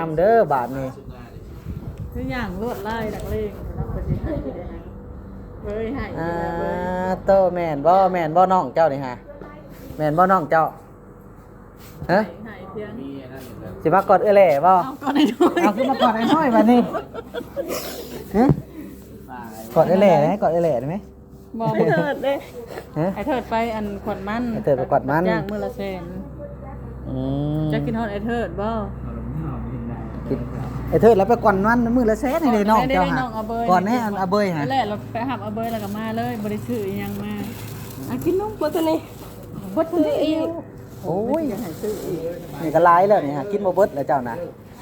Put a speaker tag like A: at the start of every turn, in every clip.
A: ำเด้อบาทนี่
B: คืออย่างรวดไล่ดักเลงเราไปสิให้ได้ฮะเฮ้ยให้
A: โตแม่นบ่น้องเจ้านี่ฮะแม่นบ่น้องเจ้าฮะ
B: ให้เพียง
A: สิมากอดแหล่บ่
B: เอาก่อนให้ด้วย
A: เอาขึ้นมากอดไอ้น้อยบัดนี้ฮะกอดแหล่ได้กอดแหล่ได้ไหม
B: มองเถิดเด้
A: ฮะ
B: ไอ้เถิดไปอันขวดมัน
A: ไอ้เถิดไปขวดมัน
B: จ้างมื้อละแสน
A: อืม
B: จะกินฮอดไอ้เถิดบ่
A: กินไอ้เถิดแล้วไปก่อนมันมื้อละแสนให้ได้น้องเจ้า
B: ได้
A: หา
B: น้องเอาเบย
A: ก่อนแน่อันเอาเบยฮะ
B: นั่นแหละเราไปหับเอาเบยแล้วก็มาเลยบ่ได้ซื้ออีหยังมา
C: กินนมบ่ตัวนี้บ่ตัวนี้อีก
A: โอ้ย
B: จะให้ซื้ออีก
A: นี่ก็หลายแล้วนี่ฮะกินบ่เบิดแล้วเจ้านะ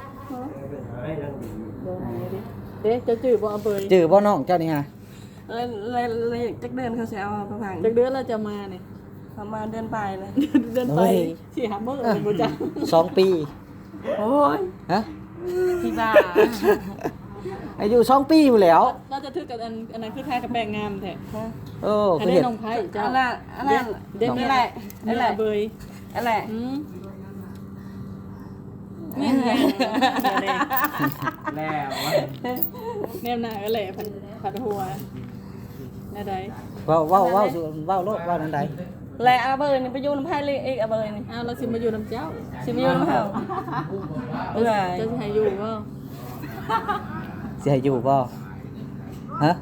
B: บ่ให้ดิเด้จะจื้อบ่เอาเบย
A: จื้อบ่น้องเจ้านี่ฮะ
C: เลยจักเดือนเขาสิเอาไปพัง
B: จักเดือนเราจะมาเนี่ย
C: ประมาณเดือนปลายเลย
B: เดินไปสิหามื้อบ่จ้ะ
A: 2 ปี
C: โอ้ย
A: ฮะ
C: พี่บ้า
A: อายุ2 ปีอยู่แล้ว
B: เราจะถือกับอันนั้นคือคล้ายกับแปลงงามแท้
A: โอ้
B: อัน
A: คือ
B: นี้
A: เห็ด
B: น้องไผ่เจ้า
C: อันนั้นอันนั้น
B: เด็ก
C: นี่
B: นี่
C: แห
B: แห
C: ละ
B: ละนี่แหละเบย
C: อันแหละ
B: เนี่ยเนี่ยเดี๋ยว
A: แล้ว
B: เนี่ยหน้าก็แหละผัดหัวอะไร
A: ว้าวโลดว้าวนั่นใด
C: แหละเอาเบอร์นี่ไปอยู่น้ำไผ่เลยอีกเอาเบอร์นี่
B: อ้าวเราสิมาอยู่น้ำเจ้า
C: สิไปอยู่น้ำเฮาเอ้ย
B: จะให้อยู่ก็
A: สิให้อยู่บ่ฮะ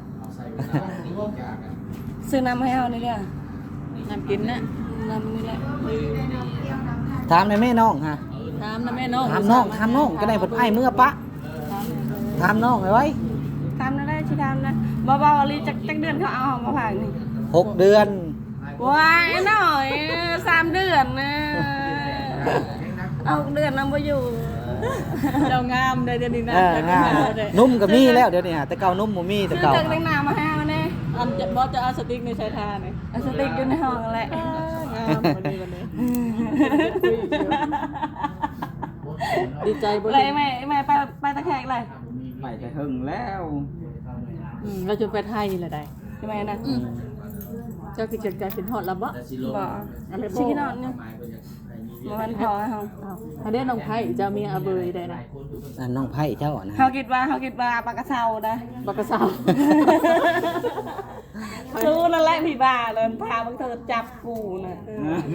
C: ซื้อน้ำให้เฮานี่เด้อ
B: น้ำกินนะ
C: น้ำนี่แหละ
A: ถามในแม่น้องฮะ
B: ถามนะแม่น้อง
A: ถามน้องก็ได้เพิ่นอ้ายเมื่อปะถามน้องไว้
C: ทำได้สิทำนะบ่ๆอะไรจักเดือนเขาเอามาพังนี่
A: 6 เดือน
C: ว้ายหน่อย3 เดือนนะเอาเดือนนำบ่อยู่
B: เจ้างามได้เดี๋ยวนี้นะ
A: งามนุ่มก็มีแล้วเดี๋ยวนี้ฮะแต่เก่านุ่มบ่มีแต่
C: ซื้อ
A: เก่า
C: จังแต่งหน้ามาให้เอาแน่
B: อันจะบอสจะเอาสติ๊กในชายทาเนี่ย
C: เอาสติ๊กอยู่ในห้องแหละ
B: งามวันนี้ดีใจบ่
C: เลยแม่ไปตะแคงเลย
A: ไปแต่หึงแล้ว
B: เราจะไปไทยละได้
C: ใช่ไหมนะ
B: เจ้าคือจัดการเป็นฮอดละบ่
C: บ่
B: อะไรบ่
C: ชิคกี้นอนนี่มันพอให้เฮา
B: ถ้าได้น้องไผ่เจ้ามีอาเบยได้นะ
A: น้องไผ่เจ้านะ
C: เฮาคิดว่าปลากระเซานะ
B: บักกะสาว
C: รู้นั่นแหละพี่บ้าเลยพาบังเธอจับกูน่ะ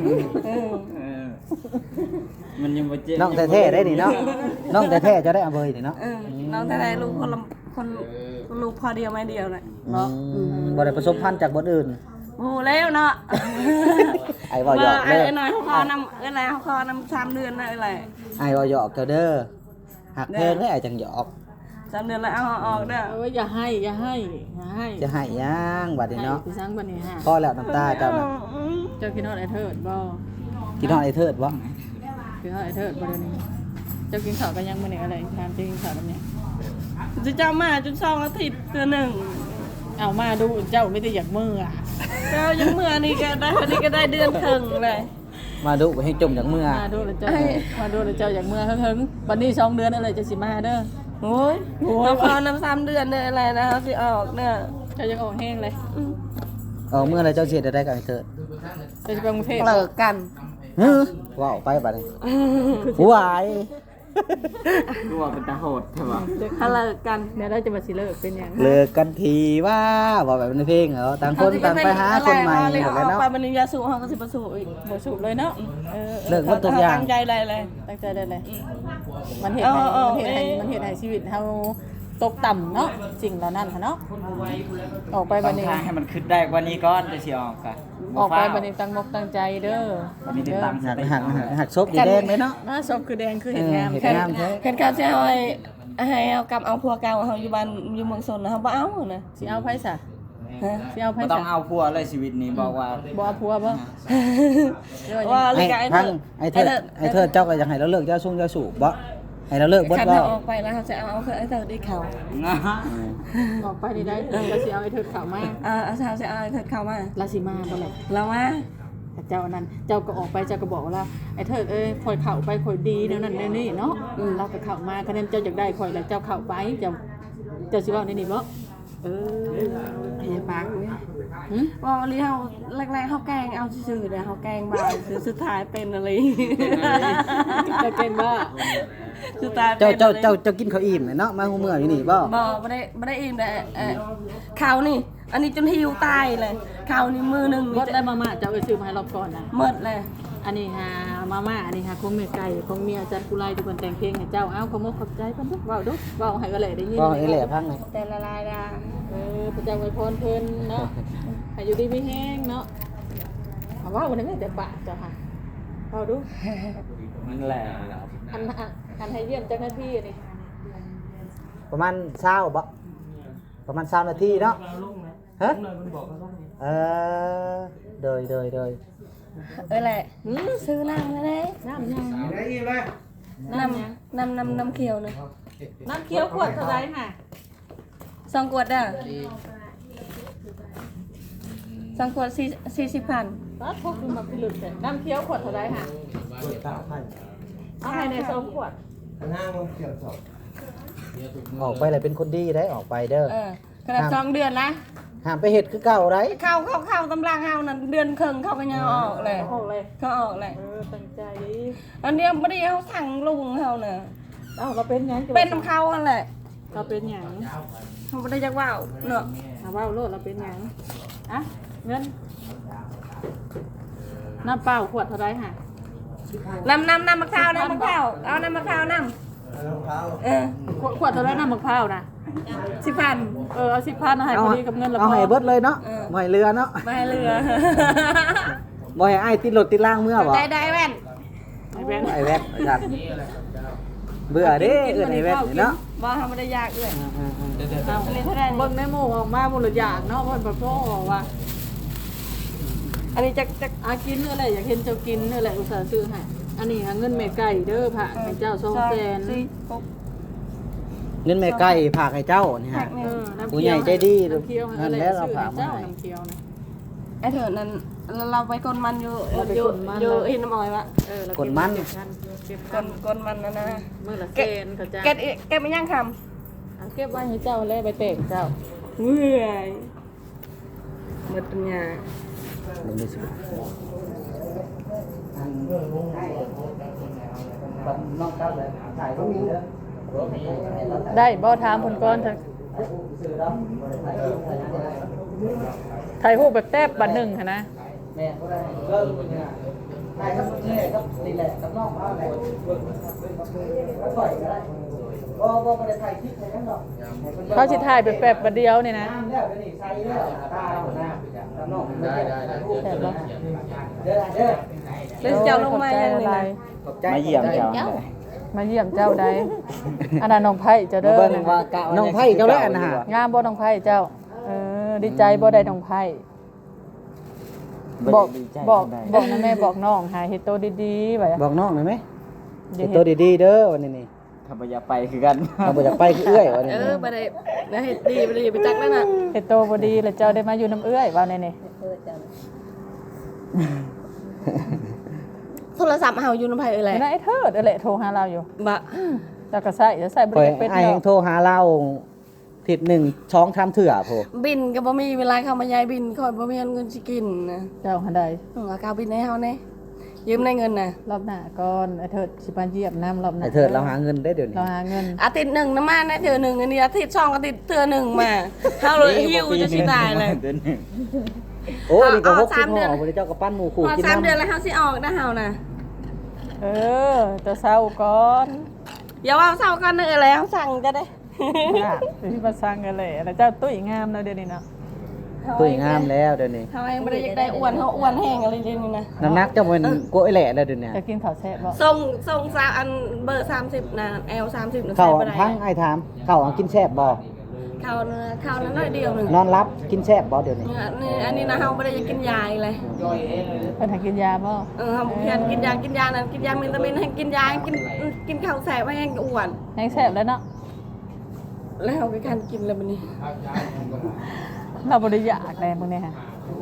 D: มันยังบ่เจ็บ
A: น้องแท้ๆได้นี่เนาะน้องแท้ๆจะได้เอาเบยนี่เนาะ
C: น้องแต่ไหนลูกคนลูกพอเดียวไม่เดียวเลย
A: บ่ได้ผสมพันธุ์จากบ่อื่น
C: โอ้แล้วเนาะ
A: ไอ้บ่หยอก
C: ไอ้
A: เด้อ
C: หน่อยเขาคอนำอะไรเขาคอนำ3 เดือนนะอะไร
A: ไอ้บ่หยอกเจ้าเด้อหักเพลงได้ไอ้จังหยอก
C: 3 เดือนแล้วเอาออกเด้อ
B: เอ้ยอย่าให้
A: จะให้ย่างบัดนี้เนาะ
B: พี่สังบัดนี้ฮะ
A: พอแล้วน้ำตาเจ้าน่ะ
B: เจ้าคิดฮอดไอ้เทิดบ่
A: กินฮอดไอ้เทิดบ่
B: คิดฮอดไอ้เทิดบ่เดี๋ยวนี้เจ้ากินข้าวกันยังมื้อนี้อะไรถามเจ้ากินข้าวกันยัง
C: จะจำมาจน2 อาทิตย์เดือนหนึ่ง
B: เอามาดูเจ้าไม่ได้อยากมืออ่ะ
C: เจ้ายังเมื่อนี่ก็ได้เดือนครึ่งเลย
A: มาดูให้จมจากเมื่อ
B: มาดูแล้วเจ้ามาดูแล้วเจ้าอยากมือเฮิงๆวันนี้2 เดือนอะไรจะสิมาเด้อ
C: โอ้ยเขาคอนำ3 เดือนเนี่ยอะไรนะเขาสิออกเนี่ย
B: เจ้ายังออกแห้งเลย
A: เมื่อไรเจ้าเสียได้กับไอ้เทิด
B: เจ้าจะไปกรุงเทพ
C: เลิกกัน
A: ว้าวไปบัดนี้วาย
D: ตัวเป็นตาโหดใช่ป่ะ
C: ถ้าเลิกกัน
B: เดี๋ยวเราจะมาสิเลิกเป็นหยัง
A: เลิกกันทีว่าบอกแบบในเพลงเหรอต่างคนต่างไปหาคนใหม่หมดแล้วเนาะ
C: ไปมันยาสูบเขาก็สิประสูบอีก
B: บ่สูบเลยเนาะ
A: เลิกหมดทุกอย่าง
C: ตั้งใจเลยเลย
B: ตั้งใจได้เลยมันเห็นมันเห็นให้ชีวิตเฮาตกต่ำเนาะสิ่งเหล่านั้นเนาะออกไปบัดนี้
D: ให้มันขึ้นได้กว่านี้ก่อนจะสิออกกะ
B: ออกไปบัดนี้ตั้งมกตั้งใจเด้อ
D: มีติดตามส
A: หัก
D: ติ
A: หักซบดีแดงเลยเนาะ
B: หน้าศพคือแดงคือเห็นงาม
A: เห็น
B: แค่
A: งามแท้
C: เห็นเขาจะให้เอากลับเอาพัวเก่าเขาอยู่บ้านอยู่เมืองสนนะเขาบ่เอานะ
B: สิเอาไผซะ
C: ฮะ
B: สิเอาไผ
D: บ่
B: ซะ
D: ต้องเอาพัวเลยชีวิตนี้บอกว่า
B: บ่เอาผัวบ่
C: ว่า
A: ไอ้พังไอ้เทิดเจ้าก็อยากให้เราเลิกเจ้าสูงเจ้าสูบบ่ให้เราเลิกบ่
C: ขัน
A: บ่
C: เขาออกไปแล้วเขาจะเอาไอ้เธอได้เขา
B: ออกไปนี่ได้ก็สิเอาไอ้เถิดเข้ามา
C: เอาเขาจะเอาไอ้เธอเข้ามา
B: ลาสิมาบ่ล่ะ
C: แล้วว่า
B: เจ้านั้นเจ้าก็ออกไปเจ้าก็บอกว่าไอ้เถิดข่อยเข้าไปข่อยดีแนวนั้นแนวนี้เนาะเราก็เข้ามาคะแนนเจ้าอยากได้ข่อยแล้วเจ้าเข้าไปเจ้าสิเว้าในนี้บ่
C: พยาบาลว่าวันนี้เขาแรกๆเขาแกงเอาซื่อๆเนี่ยเขาแกงบ่ายสุดท้ายเป็นอะไร
B: จะเก่งบ่
C: คือตาย
A: เจ้ากินข้าวอิ่มเนาะมาหูเมื่ออยู่นี่บ่
C: บ่ได้อิ่มแต่ข้าวนี่ อันนี้จนหิวตายเลยข้าวนี่มือหนึง
B: หมดได้มาม่าเจ้าซื้อมาให้รอบก่อนนะ
C: หมดเลย
B: อันนี้หามาม่าอันนี้หาของแม่ไก่ของเมียอาจารย์กุไลทุกคนแต่งเพลงให้เจ้าเอาขโมยขอบใจเพิ่นเด้อเว้าเด้อเว้าให้ก็เลยได้ยิน
A: บ่ไอ้แหล่พังเลย
C: แต่ละลายดา
B: พระเจ้าอวยพรเพิ่นเนาะให้อยู่ดีมีแห้งเนาะเอาเว้าบ่ได้แม่แต่ปากเจ้าค่ะเว้าดู
D: มันแหละ
B: อันให้เยี่ยมเจ้าหน้าที่นี่
A: ประมาณ20บ่ประมาณ20นาทีเนาะฮะเออโดย
C: แหละซื้อน้ำเลย
B: น้ำยัง
C: น้ำเขียวนะ
B: น้ำเคี้ยวขวดเท่าไหร่ค่ะ
C: 2 ขวด2 ขวด40,000
B: ก็พกมาพิลุดเลยน้ำเคี้ยวขวดเท่าไหร่ค่ะเอาให้ใน2ขวด
A: ออกไปเลยเป็นคนดีได้ออกไปเด้อ
C: ขนาด2 เดือนนะ
A: ห้ามไปเฮ็ดคือเก่าได้
C: เข้าตำรางเฮานั่นเดือนครึ่งเขาก็ยังออกเลย
B: ออกเลย
C: เขาออกเลย
B: ตั้งใจ
C: อันเนี้ยบ่ได้เขาสั่งลุงเฮาน่ะ
B: เอ้าเราเป็นหยัง
C: เป็นน้ำเขานั่นแหละ
B: เราเป็นหยัง
C: เขาบ่ได้จักว่าวเนาะ
B: เอาว่าโลดเราเป็นหยังอะเงินน้ำเปล่าขวดเท่าไรค่ะ
C: น้ำมะพร้าวเอาน้ำมะพร้าว
B: ขวดเท่าไรน้ำมะพร้าวนะ
C: 10,000
B: เอา10,000เอาให้พอดีกับเงินละ
A: เอาให้เบิดเลยเนาะบ่ให้เรือเนาะ
C: มาให้เรือ
A: บ่ให้อ้ายติดรถติดล่างเมื่อบ่
C: ได้แว่น
B: ไอ้แบงค์
A: ไอ้แวดจัดเบื่อเด้เอิ้นไอ้แวดนี่เนาะ
C: บ่ทำบ่ได้ยากเอ้ย
B: เอา
C: อันนี้เท่าไหร่
B: เบิ่งในหมู่ออกมาบุรุษอยากเนาะเพิ่นบ่พอว่า
C: อันนี้จัก
B: อากินเนื้ออะไรอยากเห็นเจ้ากินเนื้ออะไรอุตส่าห์ซื้อให้อันนี้หาเงินแม่ไก่เด้อพระให้เจ้า200,000
A: เงินแม่ไก่ฝากให้เจ้านี่ฮะ ผู้ใหญ่ใจดี
B: น้ำเคี้ยวให้
A: นั่น
B: อะไร
A: แหละเรา
B: ซื้อ
A: ฝาก
B: ให้
A: มา
B: เจ้า
A: ให้
B: น้ำเคี้ยวนะ
C: ไอ้เถิดนั้นเราไปกนมันอยู่
B: เราไป
C: อยู่
B: กดมัน
C: อยู่อินน้ำอ้อยวะ
B: เรา
A: กดมัน
B: เก็บพันเก็บ
C: ก
B: พัน
C: นมันนั่นนะ
B: มื้อละเซนเขาจะ
C: เก็บไม่ยังค
B: เอาเก็บไว้ให้เจ้าแล้วไปเตะเจ้า
C: ำเมื่อยหมดปัญญา
A: ลงได้สิน้องเจ้าเลยถ่ายรูปเด้อ
B: ได้บ่ถามเพิ่นก่อนเถอะถ่ายรูปแบบแทบบัดหนึ่งค่ะนะ
A: แม่ก็ได้เริ่มเนี่ยถ่ายกับแม่ครับนี่แหละกับน้องเขาแหละก็ปล่อยก็ได้บ่ได้ถ่ายคลิปให้กันหรอก
B: เขาสิถ่ายแบบแบบบัดเดียวนี่นะ
A: น้ำแล้วเดี๋ยวนี้ใส่แล้วตาเอาหน้ากับน้องได้
B: แซ่บบ่
A: เด้อ
C: แล้วเจ้าลงมายังไง
A: ขอบใจ
D: มาเยี่ยมเจ้า
B: มาเยี่ยมเจ้าได้อันนั้นน้องไผ่เจ้าเด้อ
A: น้องไผ่เจ้าแล้วนะฮะ
B: งามบ่น้องไผ่เจ้าดีใจบ่ได้น้องไผ่บอกนะแม่บอกน้องหาเฮ็ดโตดีๆไว้
A: บอกน้องหน่อยไหมเฮ็ดตัวดีๆเด้อวันนี้นี่
D: ถ้าบ่อยากไปคือกัน
A: เราบ่อยากไปคือเอื้อยวันนี้
C: บ่ได้นะเฮ็ดดีบ่ได้ไปจักแล้วน่ะ
B: เฮ็ดโตบ่ดีแล้วเจ้าได้มาอยู่น้ำเอื้อยว่าแน่
C: โทรศัพท์เฮาอยู่นำไผเอ้ย
B: ๆ
C: แหละ
B: นั่นไอ้เทิดนั่นแหละโทรหาเราอยู่
C: บ่
B: แล้วก็ใส่จะใส่บ่
A: คอย
B: ได้เป็น
A: ไอ้าย
B: ด
A: ยั
B: อง ก
A: โทรหาเราทิศหนึ่งช้องทำเถื่อโพ
C: บินก็บ่มีเวลาเข้ามายายบินค่อยบ่มีเงินสิกินนะ
B: เจ้าหันใด
C: เอากาวบินให้เฮาแน่ยืมได้เงินน่ะ
B: รอบหน้าก่อนไอ้เทิดสิมาเยี่ยมน้ำรอบหน้า
A: ไอ้เถิดเราหาเงินได้เดี๋ยวนี้
B: เราหาเงิน
C: อาทิตย์หนึ่งน้ำมาได้เทื่อหนึงอันนี้อาทิตย์2อาทิตย์เทื่อหนึงมาเฮาเลยหิวจะสิตายเลย
A: โอ้นี่ก็
C: เอา
A: 60
C: 3
A: ห่
C: เดือน
A: อบ่ได้เจ้าก็ปั้นหมูขู่
C: พอ
A: กิน
C: 3 เดือน
A: น้ำ
C: แล้วเฮาสิออกนะเฮาน่ะ
B: จะเศร้าก่อน
C: อย่าว่าเศร้ากันเด้อแล้วสั่งจะได้
B: ที่มาสร้างกันเลยแล้วเจ้าตุ้ยงามแล้วเดี๋ยวนี้เนาะ
A: ตุ้ยงามแล้วเดี๋ยวนี้
C: เฮาเองบ่ได้อยากได้อ้วนเฮาอ้วนแห้งอะไรเดี๋ยวนี้นะ
A: น้ำหนักเจ้ามันกลัวไอ้แหล่แล้วเดี๋ยวนี้
B: จะกินข้าวแซ่บบ่
C: ส่งซาอันเบอร์30น่ะ L 30น่ะ
A: เข้า
C: ใส่บ่ได้
A: ทั้งไอ้ถามเข้าอังกินแซ่บบ่
C: เข้านั้นน้อยเดียวหนึง
A: นอนรับกินแซ่บบ่เดี๋ยวนี้
C: นี่อันนี้นะเฮาบ่ได้อยากกินยาอีกเลย
B: เพิ่นให้กินยาบ่
C: เฮาบ่อยากกินยานั่นกินยาวิตามินให้กินยาให้กินข้าวแซ่บให้อ้วน
B: แห้งแซ่บแล้วเนาะ
C: แล้วเฮาก็คันกินแล้วบัดนี้
B: เราบ่ได้อยากแลมื้อนี้ฮะ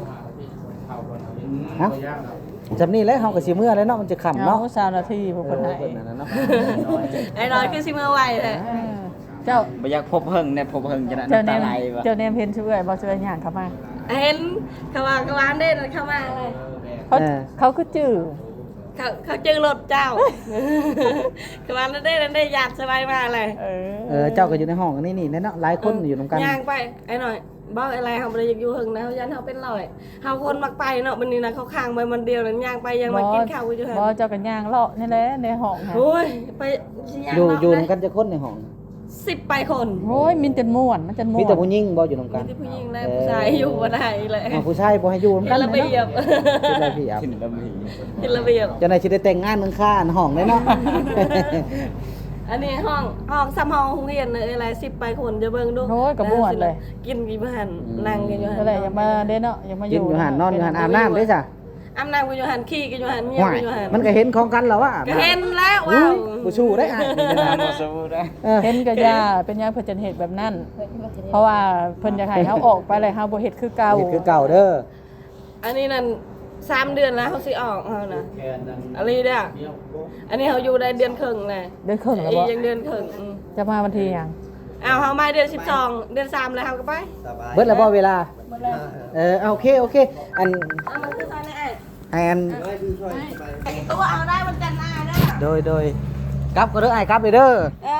A: เอ้าจำนี่แล้วเฮาก็สิเมื่อแล้วเนาะมันจะค่ำ
B: เนาะ
A: เนาะ
B: 20นาทีพวก
A: เอ
B: เพิ่น
A: อ
B: ให้
A: เพิ่นนั่นน่ะเนาะ
C: ไอ้น้อยคือสิมาไวเลย
B: เจ้า
D: บ่อยากพบเฮิงเนี่ยพบเฮิงจะ
B: เจ้า
D: น้ำ
B: แน
D: ตาม ไหลวะ
B: เจ้าแนมเห็นชื่อเอ้ยบ่ชื่อหยังเข้ามา
C: เห็นเขาว่ากวานได้เข้ามาเลย
B: เขาคือจื้อ
C: เขาเจอรถเจ้าคือว่านั่นได้ญาติสบายมากเลย
A: เจ้าก็อยู่ในห้องอันนี้นี่เนาะหลายคนอยู่ตรงกัน
C: ย่างไปไอ้หน่อยบ้าอะไรเขาไม่ได้อยู่หึงนะเขายันเขาเป็นลอยเขาคนมักไปเนาะวันนี้นะเขาค้างไปมันเดียวนั้นย่างไปยังมากินข้าวอยู่หึง
B: บ่เจ้ากันย่างเลาะนี่แหละในห้องค่ะ
C: โอ้ยไปย่าง
A: อยู่ตรงกันจะคนในห้อง
C: 10 ไปคน
B: โอ้ยมินจนม่วนมันจนม่วน
A: มีแต่ผู้หญิงบ่อยู่ตรง
C: มี
A: กัน
C: ที่ผู้หญิงได้ผู้ชายอยู่บ่ได้เลย
A: ผู้ชายบ่ให้อยู่ตรง
C: เป็
A: กัน น
C: ระเบียบ
A: เป็นระเบียบ
D: ขึ้นระเบียบ
C: เป็นระเบียบ
A: จะไหนสิได้แต่งงานเมืองค่าห้องเลยเนาะ
C: อันนี้ห้องซ้ำห้องโรงเรียนเลยอะไร10 ไปคนจะเบิ่งดู
B: โอ้ยก็ม่วนเลย
C: กินกี่บ้านนั่งกันอยู่
B: ก็เลยอย่ามาเด้เนาะอย่ามาอ
A: กิน
B: ยู่
A: อยู่หันนอนอยู่หันอาบน้ำได้จ้ะ
C: อาบน้ำกันอยู่หันขี้กันอยู่หันเมีย
A: ห่วย
C: กันอยู่หัน
A: มันก็เห็นของกันแล้วว่า
C: ก็เห็นแล้ว
A: อุ้
C: ว้าวย
A: ผู้ชูได้อ่ะ
D: บ่สู้ได้
B: เห็นก็ย่าเป็นย่าเพิ่นจะเฮ็ดแบบนั้น เพราะว่าเพิ่นอยากให้เฮาออกไปเลยเฮาบ่เฮ็ดคือเก่า
A: เห็นคือเก่าเด้อ
C: อันนี้นั่น3 เดือนแล้วเขาสิออกเขานะอะไรเด้ออันนี้เขาอยู่ได้เดือนครึ่งเลย
B: เดือนครึ่งแล้ว
C: อี
B: บ่
C: กยังเดือนครึ่ง
B: จะมาวันที่หยัง
C: เอาเขามาเดือน12 เดือน3แล้วเขาก็ไป
A: เบิดแล้วบ่เวลาโอเคโอเคอัน
C: เอามาคือตอนนี้ไอ้
A: อัน
C: ตัวเอาได้วันจันทร์หน้าเด้อ
A: โดยกลับก็เด้อไอ้กลับเลยเด้อ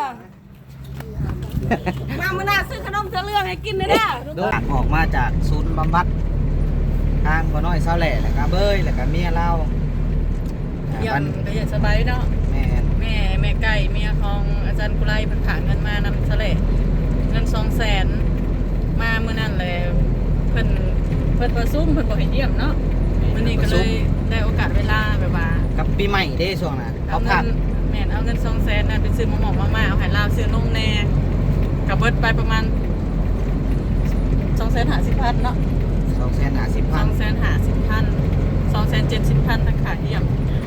C: มามื้อหน้าซื้อขนมเสื้อเรื่องให้กินเลยเด้อ
A: โดยออกมาจากศูนย์บำบัดทางบ่น้อยเซาแหล่แล้วก็เบ้ยแล้วก็เมียเรา
B: ยังก็อย่าสบายเนาะ
A: แม่น
B: แม่ไก่เมียของอาจารย์กุไลเพิ่นฝากเงินมานำซะเลยเงิน200,000มามื้อนั้นเลยเพิ่นประชุมเพิ่นบ่ให้เยี่ยมเนาะมื้อนี้ก็เลยได้โอกาสเวลาแบบว่า
A: กับปีใหม่เด้ช่วงน่ะ
B: เอา
A: เขา
B: เงิ
A: ผัด
B: นแม่นเอาเงิน200,000นั่นไปซื้อหมอกมาเอาให้ลาวซื้อนมแน่ก็เบิดไปประมาณ250,000เนาะ
A: 250,000
B: 250,000 270,000ทั้งขาเยี่ยม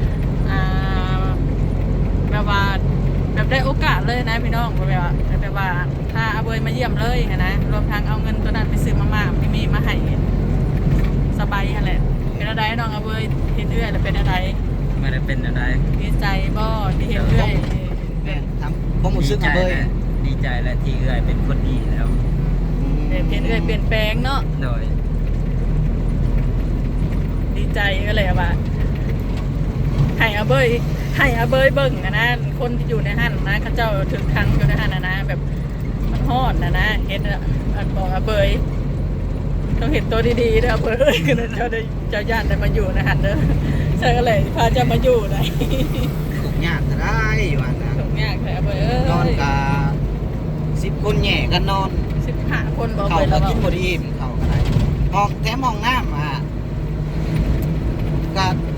B: แบบว่าแบบได้โอกาสเลยนะพี่น้องแบบว่าถ้าเอาเบยมาเยี่ยมเลยนะรวมทั้งเอาเงินตัวนั้นไปซื้อมาม่ามีมาให้สบายแหละเป็นอะไรน้องเอาเบยเห็นเอื้อยแล้วเป็นอะไร
D: ไม่ได้เป็นอะไร
B: ดีใจบ่ที่เห็นเอื้อย
A: แม่นทำบ่รู้สึกอะเบ้ย
D: ดีใจและที่เอื้อยเป็นคนดีแล้ว
B: เห็นเอื้อยเปลี่ยนแปลงเนาะ
D: โดย
B: ดีใจก็เลยว่าให้อาเบยเบิ่งนะคนที่อยู่ในหันนะเขาเจ้าถึงครั้งอยู่ในหันนะแบบมันฮอดนะเห็นอันบอกอาเบยต้องเห็นตัวดีๆเด้ออาเบยคือเจ้าได้เจ้าญาติได้มาอยู่ในหันเด้อใช่ก็เลยพาเจ้ามาอยู่ไหน
A: ทุกอย่างก็ได้ว่านะ
B: ถูกยากแท้อาเบย
A: นอนกะ10 คนแหย่กันนอน
B: 15 คนบอก
A: เขา
B: เบย
A: ก็
B: แล้ว
A: กินบ่ดีเขาก็ได้ห้องแถมห้องน้ำก็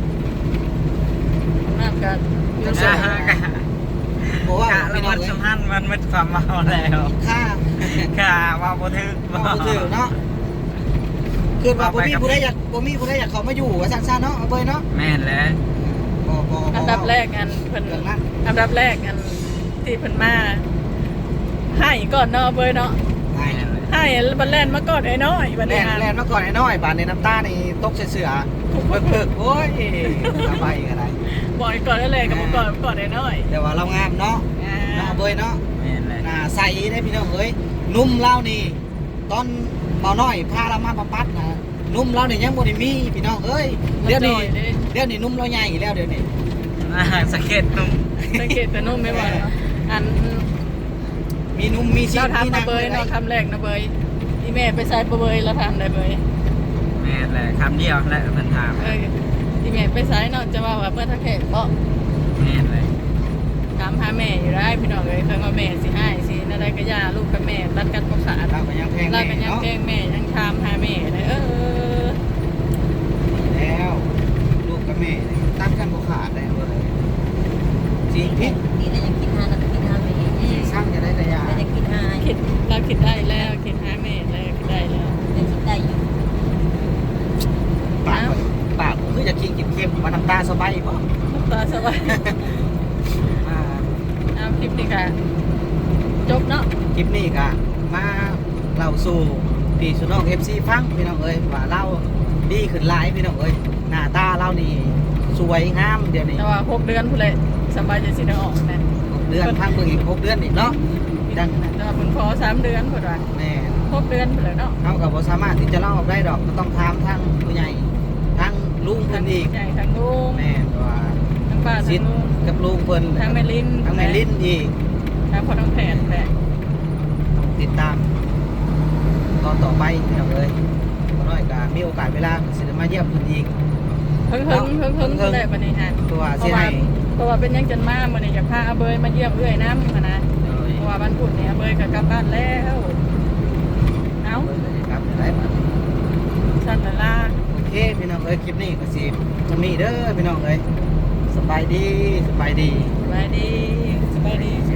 B: น้ำกันอยู่
A: ใช่
B: สูง
A: เพราะว่า
D: แล้ว
A: พี่น้อ
D: มั
A: ง
D: น
A: เอ้ย
D: สำคัญมันไม่ความเมาแล้ว
A: ค่า
D: ค่ะว่าบ่ถึก
A: บ่ถือเนาะคือว่าบ่มีผู้ใดอยากเข้ามาอยู่ว่าซั่นๆเนาะเอาเบ้ยเนาะ
D: แม่นแล้ว
A: บ่
B: อันดับแรกอันเพิ่น
A: เรื่องนั้น
B: อันดับแรกอันที่เพิ่นมาให้ก่อนเนาะเบยเนาะ
A: ใช่
B: ให้บันแลนมาก่อนไอ้น้อยบัน
A: แล่
B: นี้
A: นแล่นมาก่อนไอ้น้อยบาดในน้ำตานี่ตกเสือเพิกๆโอ้ยสบายก็ได้
B: บอกก่อนได้เลยกับก่อนไอ้น้อย
A: แต่ว่าเรางามเนาะเนาะเบ้ยเนาะ
D: แม่นแล้ว
A: หน้าใสได้พี่น้องเอ้ยนุ่มเล่านี่ตอนเบาน้อยพาเรามาบำบัดนะนุ่มเล่านี่ยังบ่ได้มีพี่น้องเอ้ยเดี๋ยวนี้นุ่มเราใหญ่แล้วเดี๋ยวนี้
D: สเก็ตนุ่ม
B: สังเกตแต่นุ่มไม่ว่าอัน
A: มีนุ่มมีชิ้
B: เรา
A: น
B: ทำมาเบยเนาะคำแรกนะเบยอีแม่ไปใส่เบยเราทำได้เบย
D: แม่นแล้วคำเดียวและเพิ่นถาม
B: อีแม่ไปใส่เนาะจะว่าเมื่อทักแขกเพราะ
D: แม่นเลย
B: ถามหาแม่อยู่ได้พี่น้องเลยเคยว่าแม่สิให้สินั่นได้ก็ย่าลูกกับแม่รัดกันปกขาด
A: เราก็ยังแพง
B: รัดกันยัง
A: เนาะ
B: แกงแม่ยังทำหาแม่เลย
A: แล้วลูกกับแม่ตัดกันบ่ขาดเลยจริงพิษ
E: นี่เรายังกินหาเรากินหาไม่เอง
A: สร้างจะได้แต่ยา
E: เราจะกินหา
B: คิดเราคิดได้แล้วคิดหาแม่แล้วคิดได้แล้ว
E: เราคิดได้อยู่
A: ปากผมคือจะกินเค็มๆมาน้ำตาสบายบ่
B: ตาสบายเอาคลิปนี้ค่ะจบเนาะ
A: คลิปนี้ก็มาเล่าสู่พี่สุน้อง FC ฟังพี่น้องเอ้ยว่าเราดีขึ้นหลายพี่น้องเอ้ยหน้าตาเรานี่สวยงามเดี๋ยวนี้
B: แต่ว่า6 เดือนพุ่นเลยสบายจะสิได้ออกนะ
A: 6 เดือนพังเบิ่งอีก6 เดือนอีกเนาะดัง
B: แต่ว่าเพิ่นขอ3 เดือนพุ่นว่า
A: แม่
B: 6 เดือนพุ่นเลยเนาะ
A: เขาก็บ่สามารถที่จะเล่าออกได้ดอกก็ต้องถามทางผู้ใหญ่ทางลุงเพิ่นอีก
B: ใหญ่ทั้งลุง
A: แม่ว่า
B: ทั้งป้า
A: ซิ
B: ทั้
A: ด
B: งลุง
A: กับลุงเพิ่น
B: ทั้งแม่ลิ้น
A: ทั้งแม่ลิ้นอีก
B: ทั้งพ่อน้องแผนแหละ
A: ติดตามตอนต่อไปพี่น้องเอ้ยบ่น้อยก็มีโอกาสเวลาสิได้มาเยี่ยมเพิ่นอีก
B: เพิ่งได้บัดนี้ฮะ
A: ตัว
B: เพ
A: สิ
B: ราะว่า
A: ให้
B: เพราะว่าเป็นยังจนมามื้อนี้อยากพาอาเบยมาเยี่ยมเอื้อยน้ำหั้นนะ
D: โดย
B: เพราะว่าวันพุธนี้อาเบยก็กลับบ้านแล้วเอ้า
A: ครับได้มา
B: สั่นละล่ะ
A: โอเคพี่น้องเอ้ยคลิปนี้ก็สิทำนี้เด้อพี่น้องเอ้ยสบายดี
B: สบายดีสบายดี